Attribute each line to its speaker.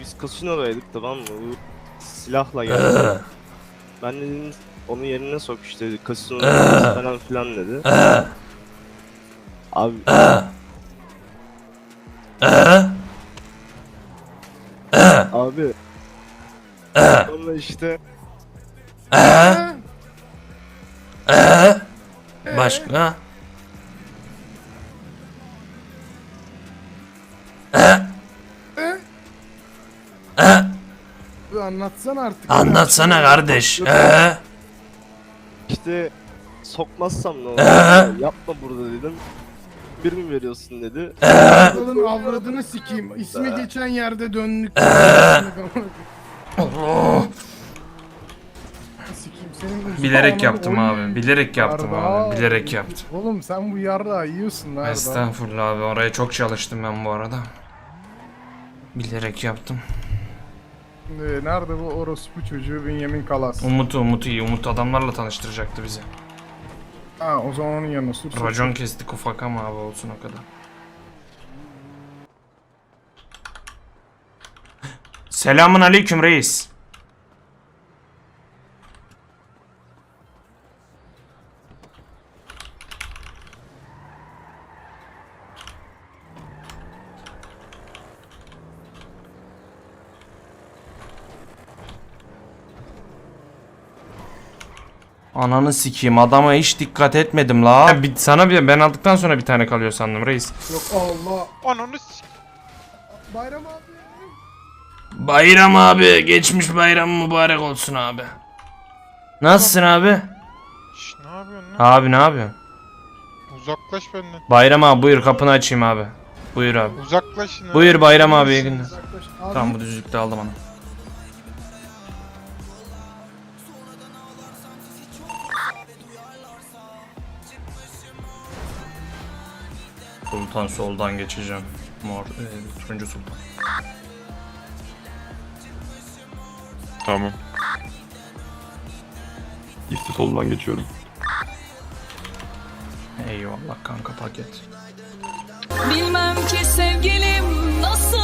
Speaker 1: Biz kasinodaydık, tamam mı? Bu silahla geldi. Ben dedim onun yerine sok işte, kasinoda falan filan dedi. Abi abi sonra işte
Speaker 2: Başka?
Speaker 3: Anlatsana artık.
Speaker 2: Anlatsana kardeş.
Speaker 1: işte sokmazsam ne olur? Yapma burada dedim. Bir mi veriyorsun dedi.
Speaker 3: Adamın avradını sikeyim. İsmi geçen yerde döndük.
Speaker 2: Allah.
Speaker 3: Sikeyim senin usta
Speaker 2: Bilerek
Speaker 3: ananı
Speaker 2: yaptım
Speaker 3: oy.
Speaker 2: abi. Bilerek yaptım
Speaker 3: Arda.
Speaker 2: abi. Bilerek yaptım.
Speaker 3: Oğlum sen bu yarrağı yiyorsun lan Arda.
Speaker 2: Estağfurullah abi. Oraya çok çalıştım ben bu arada. Bilerek yaptım.
Speaker 3: Nerede bu orospu çocuğu Bünyamin Kalas?
Speaker 2: Umut iyi. Umut adamlarla tanıştıracaktı bizi.
Speaker 3: Ha o zaman onun yanına sür.
Speaker 2: Racon kestik ufak ama abi olsun o kadar. Selamun aleyküm reis. Ananı sikeyim, adama hiç dikkat etmedim la. Sana ben aldıktan sonra bir tane kalıyor sandım reis.
Speaker 3: Yok Allah.
Speaker 4: Ananı
Speaker 3: Bayram abi.
Speaker 2: Bayram abi, geçmiş bayram mübarek olsun abi. Nasılsın abi?
Speaker 4: Şş, ne yapıyorsun lan?
Speaker 2: Abi ne yapıyorsun?
Speaker 4: Uzaklaş benden.
Speaker 2: Bayram abi buyur, kapını açayım abi. Buyur abi.
Speaker 4: Uzaklaş yine.
Speaker 2: Buyur Bayram abi, iyi günler.
Speaker 3: Uzaklaş. Abi.
Speaker 2: Tamam, bu düzlükte aldım onu. Sultan soldan geçeceğim. Turuncu sultan.
Speaker 5: Tamam. İşte soldan geçiyorum.
Speaker 2: Eyvallah kanka, paket.
Speaker 6: Bilmem ki sevgilim nasıl